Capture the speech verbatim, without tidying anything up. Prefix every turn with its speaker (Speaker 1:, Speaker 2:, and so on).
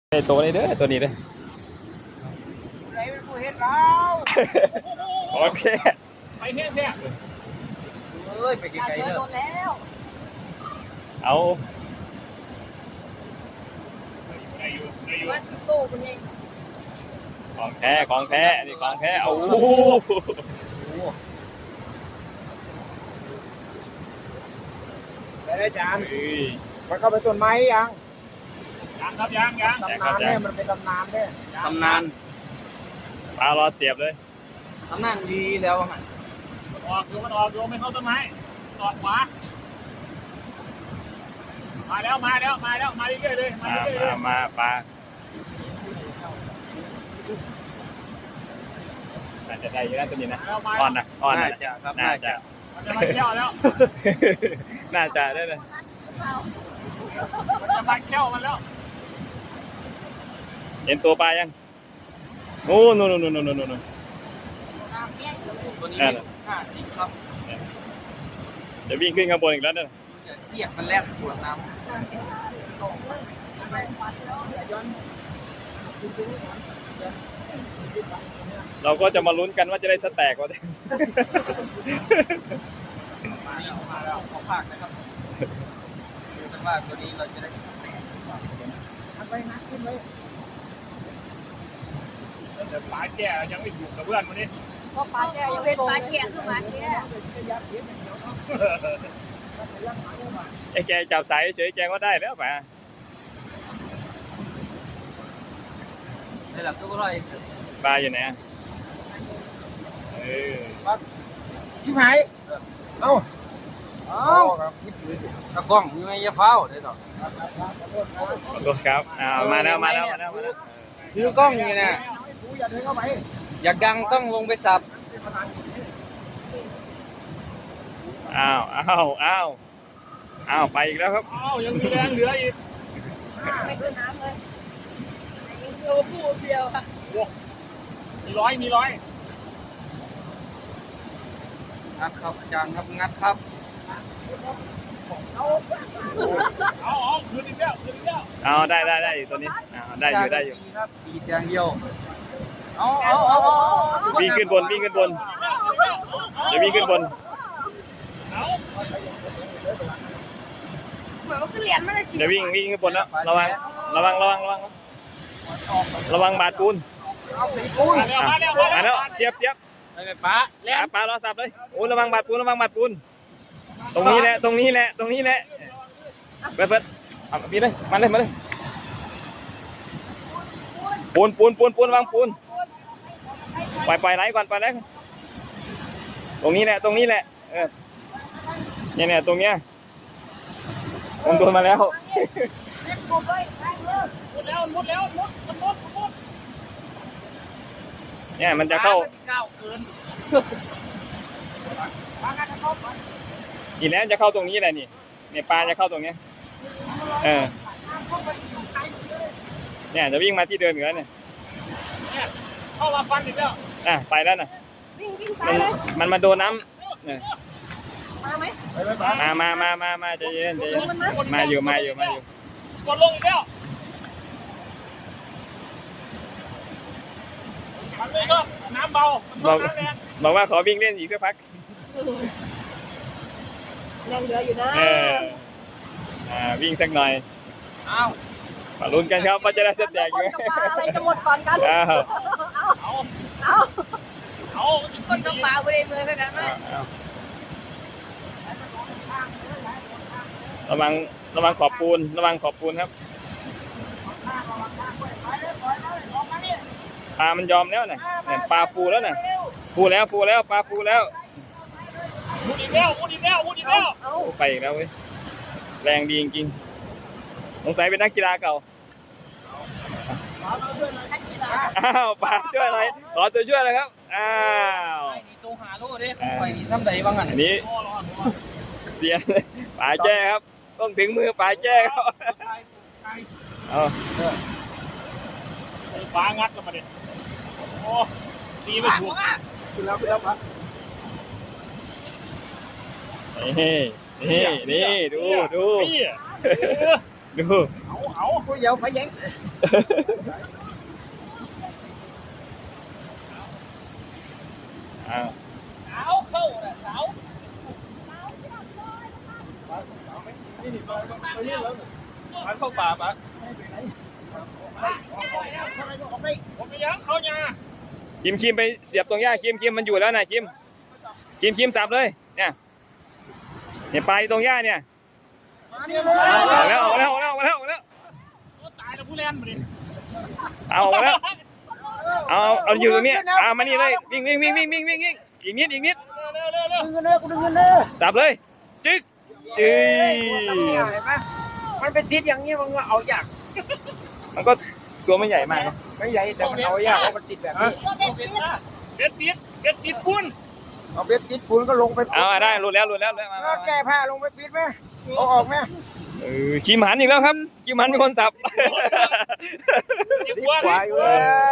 Speaker 1: ไอ้ตัวนี้เด้อตัวนี้เด้อ
Speaker 2: ไรเป็นผู้เห็นเรา
Speaker 1: โอเค
Speaker 2: ไปเนี่ยเนี่ยเอ้ยไปไกลๆเลย
Speaker 1: เอา
Speaker 3: ว่าสิโตคนนี้
Speaker 1: ของแท้ของแท้นี่ของแท้เอา
Speaker 2: ได้ได้จานมันเข้าไปต้นไม้ยังยังครับยังยังตำนานเนี่ยมันเป็นตำนานเนี่ย
Speaker 1: ตำนานปลารอเสียบเลย
Speaker 2: ตำนานดีแล้วมันออกอยู่มันออกอยู่ไม่เข้าต้นไม้ออกขวามาแล้วมาแล้วมาแล้วมาเรื่อยๆเลย
Speaker 1: มามามาปลาน่าจะได้อยู่นะตัวนี้นะอ่อนนะอ่อนนะน่าจะ
Speaker 2: มันจะมาเที่ยวแล้ว
Speaker 1: น่าจะได้เลย
Speaker 2: มันจะมาเที่ยวมันแล้ว
Speaker 1: เห็นตัวปลายังโอ้นู่นนู่นนู่นนู่นนู่น
Speaker 2: ตัวนี้ห้าสิบครับ
Speaker 1: เดี๋ยววิ่งขึ้นข้างบนอีกแล้วเนี่ย
Speaker 2: เสียบมันแลกสวนน้ำ
Speaker 1: เราก็จะมาลุ้นกันว่าจะได้สแต็กวะเนี่ย
Speaker 2: มาแล้วมาแล้วขอภาคนะครับดูกันว่าตัวนี้เราจะได้สแต็กทำไปนัดขึ้นเลยเดี๋ยวปลาแก่ยังไม่ถูกกับเพื่อนวันนี้
Speaker 3: ก็ปลาแก่ยังเป็นปลาแก่คือปลาแก่
Speaker 1: ไอ้แกจับสายเฉยแกก็ได้แล้วป่ะ
Speaker 2: ได้หลับตัวก็ร้อย
Speaker 1: ปลาอยู่ไหนเออ
Speaker 2: ชิบหายเอ้าเอ้าตะกล้องมีไหมยาเฝ้าได้ต่อ
Speaker 1: ขอโทษครับอ่ามาแล้วมาแล้วมาแล้วมาแล้ว
Speaker 2: คือกล้องนี่นะอยากดังต้องลงไปสับ
Speaker 1: อ้าวอ้าวอ้าวอ้าวไปอีกแล้วครับ
Speaker 2: อ้าวยังมีแรงเหลืออีก
Speaker 3: ไม่ขึ้นน้ำเลยเดียวผู้เดียวค่ะ
Speaker 2: มีร้อยมีร้อยงัดครับอาจารย์ครับงัดครับเอาเอาเอาคืนอีกแล้วคืนอีกแล้ว
Speaker 1: เอาได้ได้ได้ตัวนี้ได้อยู่ได้อยู่
Speaker 2: ครับปีดอย่างเดียวเอาเอาเอา
Speaker 1: วิ่งขึ้นบนวิ่งขึ้นบนเดี๋ยววิ่งขึ้นบน
Speaker 3: เหมือนว่าขึ้นเหรียญมาเลยสิ
Speaker 1: เดี๋ยววิ่งวิ่งขึ้นบนแล้วระวังระวังระวังระวังระวังบาดปูนมาแล้วเสียบเสียบ
Speaker 2: ปลา
Speaker 1: แล้วปลารอสับเลยโอ้ระวังบาดปูนระวังบาดปูนตรงนี้แหละตรงนี้แหละตรงนี้แหละเปิดเปิดเอาพี่เลยมาเลยมาเลยปูนปูนปูนปูนวางปูนปล่อยปล่อยไหลก่อนปล่อยไหลตรงนี้แหละตรงนี้แหละเออเนี่ยเนี่ยตรงเนี้ยผมโดนมาแล้ว
Speaker 2: หมดแล้วหมดแล้วหมดหมดหมด
Speaker 1: เนี่ยมันจะเข้าอีกแล้วจะเข้าตรงนี้แหละนี่เนี่ยปลาจะเข้าตรงนี้เออเนี่ยจะวิ่งมาที่เดิมอยู่แล้วเนี่ย
Speaker 2: เข้ามาฟันอีกแล้ว
Speaker 1: อ่ะไปแล้วน่ะมันมาโดนน้ำเนี่ยมามามามามาใจเย็นใจเย็นมาอยู่มาอยู่มาอยู่
Speaker 2: กดลงอีกแล้วมันเลยก็น้ำเบา
Speaker 1: บอกบอกว่าขอวิ่งเล่นอีกสักพัก
Speaker 3: แรงเหลืออยู่นะ
Speaker 1: เอออ่าวิ่งสักหน่อย
Speaker 2: เอา
Speaker 1: มาลุ้นกันครับว่าจะได้เสร็จแดกอยู่
Speaker 3: อะไรจะหมดก่อนกัน
Speaker 1: เอา
Speaker 3: เอาเอาเอาคนกระเป๋าไปเลยมือขนาดนั้น
Speaker 1: ระวังระวังขอบปูนระวังขอบปูนครับปลามันยอมแล้วน่ะเนี่ยปลาฟูแล้วน่ะฟูแล้วฟูแล้วปลาฟูแล้ว
Speaker 2: มุดอีกแล้วมุดอีกแล้วมุดอีกแล้ว
Speaker 1: ไปอีกแล้วเว้ยแรงดีจริงๆสงสัยเป็นนักกีฬาเก่าอ้าวปลาช่วยหน่อยขอตัวช่วยเลยครับอ้าว
Speaker 2: มีตัวหาลูกดิไปมีซ้ำใดบ้างอั
Speaker 1: นนี้เสียนปลาแจ้ครับต้องถึงมือปลาแจ้ครับเอา
Speaker 2: ปลางัดแล้วมาดิโอ้ตีไม่ถูกขึ้นแล้วขึ้นแล้วปะ
Speaker 1: นี่นี่นี่ดูดูดู
Speaker 2: เอาเอากูเดี๋ยวไปแย่ง
Speaker 1: อ้าว
Speaker 3: สาวเข้าน่ะสาว
Speaker 2: นี่นี่ไปไปเรื่อยแล้วมันเข้าป่าปะออกไป
Speaker 3: ผมไปยังเขาเนี่ย
Speaker 1: คิมคิมไปเสียบตรงหญ้าคิมคิมมันอยู่แล้วนะคิมคิมคิมสับเลยเนี่ยเนี่ยปลายตรงหญ้าเนี่ย
Speaker 2: มานี่เลย
Speaker 1: ออกแล้วออกแล้วออกแล้วออกแล้วออกแล้ว
Speaker 3: ตายแล้วผู้เล่นมาดิ
Speaker 1: เอาออกแล้วเอาเอาอยู่ตรงนี้เอามานี่เลยวิ่งวิ่งวิ่งวิ่งวิ่งวิ่งวิ่งอีกนิดอีกนิด
Speaker 3: เร็วเร็วเร็ว
Speaker 2: ดึงเงินเลยกูดึงเงินเลย
Speaker 1: สับเลยจึ๊กเอ้ย
Speaker 2: เห็นไหมมันเป็นทิศอย่างนี้มันก็เอายาก
Speaker 1: มันก็ตัวไม่ใหญ่มากนะ
Speaker 2: ไม่ใหญ่แต่มันเอายากเพราะมันติดแบบนี้
Speaker 3: เบ็ดติดเบ็ดติดปุ้น
Speaker 2: เอาเบ็ดติดปูนก็ลงไป
Speaker 1: เอามาได้หลุดแล้วหลุดแล้วหลุดแล้วมามา
Speaker 2: แก้ผ้าลงไปปิดไหมเอาออกไหม
Speaker 1: เออคิมหันอีกแล้วครับคิมหันเป็นคนสับ
Speaker 3: ติด
Speaker 2: สิบ
Speaker 3: ปุ้น
Speaker 2: กว่าอยู่แล้ว